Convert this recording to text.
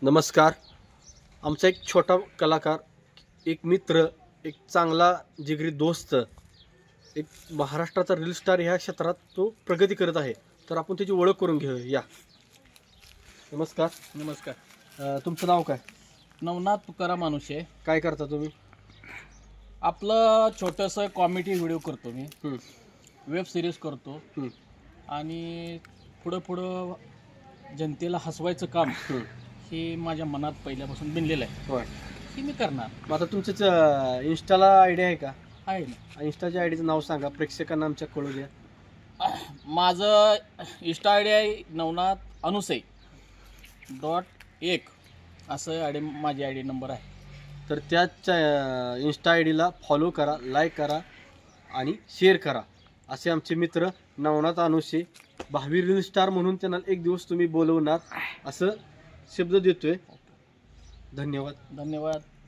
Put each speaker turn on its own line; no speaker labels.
नमस्कार. आमचा एक छोटा कलाकार, एक मित्र, एक चांगला जिगरी दोस्त, एक महाराष्ट्राचा रील स्टार ह्या क्षेत्रात तो प्रगती करत आहे. तर आपण त्याची ओळख करून घेऊया. या. नमस्कार.
नमस्कार.
तुमचं नाव काय?
नवनाथ तुकाराम मानुषे.
काय करता तुम्ही?
आपलं छोटंसं कॉमेडी व्हिडिओ करतो मी,
हं,
वेब सिरीज करतो
हं,
आणि पुढं जनतेला हसवायचं काम
हं.
हे माझ्या मनात पहिल्यापासून बिनलेलं आहे.
होय.
हे मी करणार
मग आता तुमचंच इन्स्टाला आयडिया आहे का?
आहे ना.
इन्स्टाच्या आयडीचं नाव सांगा, प्रेक्षकांना आमच्या कळू द्या.
माझं इंस्टा आय डी आहे नवनाथ अनुसे .1 असं माझी आय डी नंबर आहे.
तर त्याच इन्स्टा आय डीला फॉलो करा, लाईक करा आणि शेअर करा. असे आमचे मित्र नवनाथ अनुषे, भावी रील स्टार म्हणून त्यांना एक दिवस तुम्ही बोलवणार असं शब्द देतोय. धन्यवाद.
धन्यवाद.